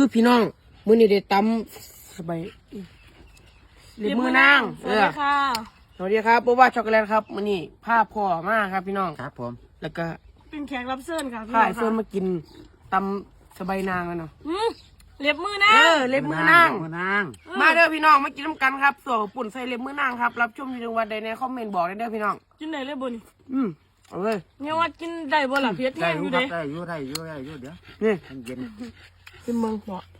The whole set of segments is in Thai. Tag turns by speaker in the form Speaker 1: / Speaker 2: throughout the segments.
Speaker 1: พี่น้องมื้อนี้ได้ตำสบายเล็บมือนาง
Speaker 2: สวัสดีค่ะ
Speaker 1: สวัสดีครับโบว่าช็อกโกแลตครับมื้อนี้พาพ่อมาครับพี่น้อง
Speaker 3: ครับผม
Speaker 1: แล้วก็
Speaker 2: เป็นแขกรับเชิญค่ะพี่
Speaker 1: พา
Speaker 2: น้อง
Speaker 1: ไอ้เฟิร์นมากินตำสบายนางกันเนาะ
Speaker 2: เล็บมือนาง
Speaker 1: เล็บมือนาง
Speaker 3: มือนาง
Speaker 1: มาเด้อพี่น้องมากินน้ำกันครับส่วนปุ่นใส่เล็บมือนางครับรับชมอยู่ในวันใดในคอมเมนต์บอกได้เด้อพี่น้อง
Speaker 2: กินได้เลยบุญ
Speaker 1: เอาเลย
Speaker 2: เนี่ยว่ากินได้บ่ล่ะเพียร
Speaker 3: ได้
Speaker 2: แห้ง
Speaker 3: อ
Speaker 2: อยู่ ยู่
Speaker 3: ครั
Speaker 2: เด้
Speaker 3: บได้อยู่เดี๋ยว
Speaker 1: นี่
Speaker 3: มันเย็น
Speaker 1: ขึ้นเมืองเหมาะ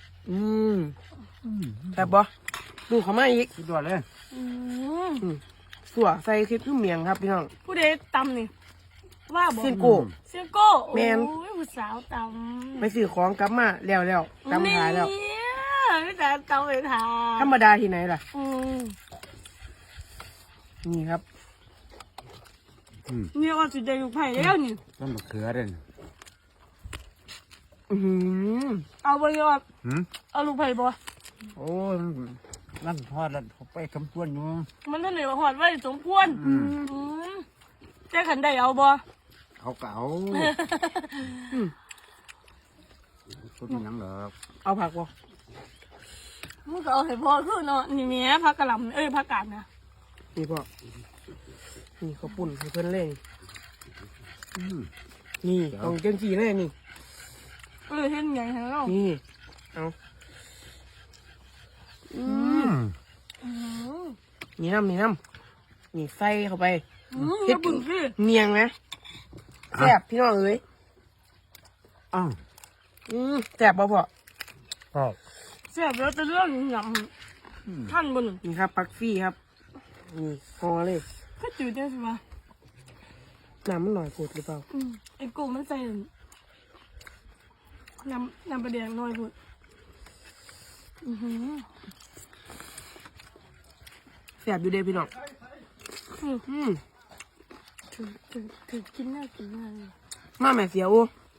Speaker 1: แซ่บบ่ดูเขามาอีก
Speaker 3: สุดยอดเลย
Speaker 1: สัวใส่คลิปขึ้นเมียงครับพี่น้อง
Speaker 2: ผู้ใดตำนี่ว่าบ่
Speaker 1: เส้นโก้
Speaker 2: เสียงโก้
Speaker 1: แม่น
Speaker 2: โอ้ยผู้สาวตำ
Speaker 1: ไปซื้อของกลับมาแล้วกลับมาหายแล้ว
Speaker 2: นี่แต่ตำไปทา
Speaker 1: ธรรมดาที่ไหนล่ะ นี่ครับ
Speaker 2: เนี่ยว่าสุดใจลูกไผ่แล้วนี่
Speaker 3: ต้นมะเขือเด่น
Speaker 2: เอาบ่ยอด
Speaker 3: หืม
Speaker 2: เอาลูกไผ่บ่
Speaker 3: โอ้ยนั่นทอดแล้วเขาไปคำต้วนอยู่
Speaker 2: มันท่านไหนว่าหอดไว้สมควรแต่ขันได้เอาบ่
Speaker 3: เขาเก่าต้นยังเหรอ
Speaker 1: เอาผักบ่
Speaker 2: มึงก็เอาให้พอคือเนาะนี่แหม่ผักกะหล่ำผักกาดนะ
Speaker 1: นี่พ่อนี่เขาวปุ่นให้เพิ่นเล่นนี่ต้องจังสีเลยนี่
Speaker 2: เห็นไงฮะเรา
Speaker 1: นี่เอานี่น้ำนี่ใส่เข้าไป
Speaker 2: เฮ็ดบุญพี่
Speaker 1: เนียงนะแซ่บพี่น้องเอ้ย
Speaker 3: อ้าว
Speaker 1: แซ่บบ่พ่อ
Speaker 3: พ่อ
Speaker 2: แซ่บแล้วจะเรื่องหยังท่านบน
Speaker 1: นี่ครับปักฟี่ครับนี่พอเลย
Speaker 2: ก็จืดได้สิวะ
Speaker 1: น้ำมันหน่อยกดหรือเปล่า
Speaker 2: ไอ้กูมันใส่น้ำประเดี๋ยวน้อยพุด
Speaker 1: แซ่บอยู่เด้พี่น้อง
Speaker 2: ถือกินน่ากินมากเลย
Speaker 1: มาแม่เสียโอ้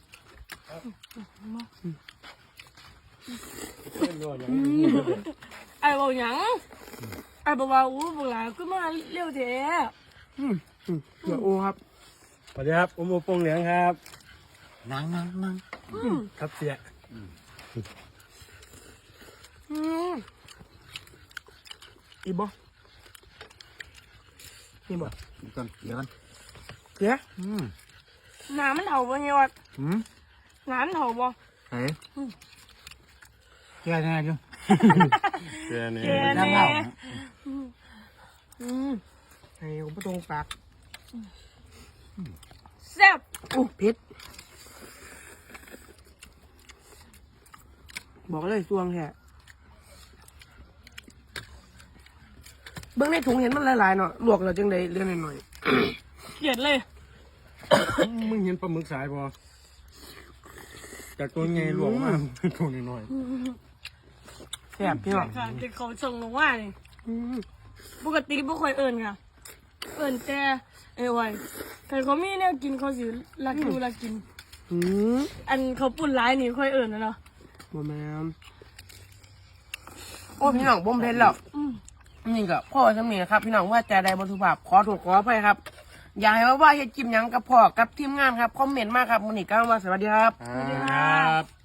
Speaker 2: ไอ้บอกหยังไอ้บอกว่าอู้บอกหลาขึ้นมาเร็วแท้
Speaker 1: เสียโอ้ครับ
Speaker 4: สวัสดีครับผมโอปงเหลืองครับ
Speaker 3: นั่ง
Speaker 4: ครับเสีย
Speaker 1: อีบ่นี่บ่
Speaker 3: เดี๋ยวกัน
Speaker 1: เสีย
Speaker 2: น้ำมันเถาบ่เนี่ยวัดน้ำมันเถาบ่
Speaker 3: เฮ้ยแก่แน่อยู่
Speaker 4: เสียนี่
Speaker 2: แก
Speaker 3: นั่ง
Speaker 2: แน่
Speaker 3: เล่า
Speaker 1: ให้ผมประตรงปาก
Speaker 2: แซ่บ
Speaker 1: โอ้เผ็ดบอกเลยสวงแค่เบื้องในถุงเห็นมันหลายๆเนาะลวกแล้วจังไดเรื่องหน่อย
Speaker 2: เกลียดเลย
Speaker 4: มึงเห็นปลาหมึกสายบ่จากตัวไงหลวงมากตัวน้อย
Speaker 1: ๆแซ่บพี่น้อง
Speaker 2: ค่ะเด็กเขาส่งลงว่านี่ปกติบ่ค่อยเอิญค่ะ เอิญแต่ไว้แต่เขามีเนี่ยกินเขาสิรักอยู่รักกิน อันเขาปุ่นร้ายนี่ค่อยเอิญนะเนาะ
Speaker 1: บ่แม่นโอ้พี่น้องบ่มเผ็ดแล้วนี่ก็พ่อสำเนียงครับพี่น้องว่าใจใดบรรทุภาพขอโทษขออภัยครับ อยากให้ว่าเฮ็ดกิมหยังกับพ่อกับทีมงานครับคอมเมนต์มาครับมื้อนี้ก็ว่าสวัสดีครับ
Speaker 4: ๆครับ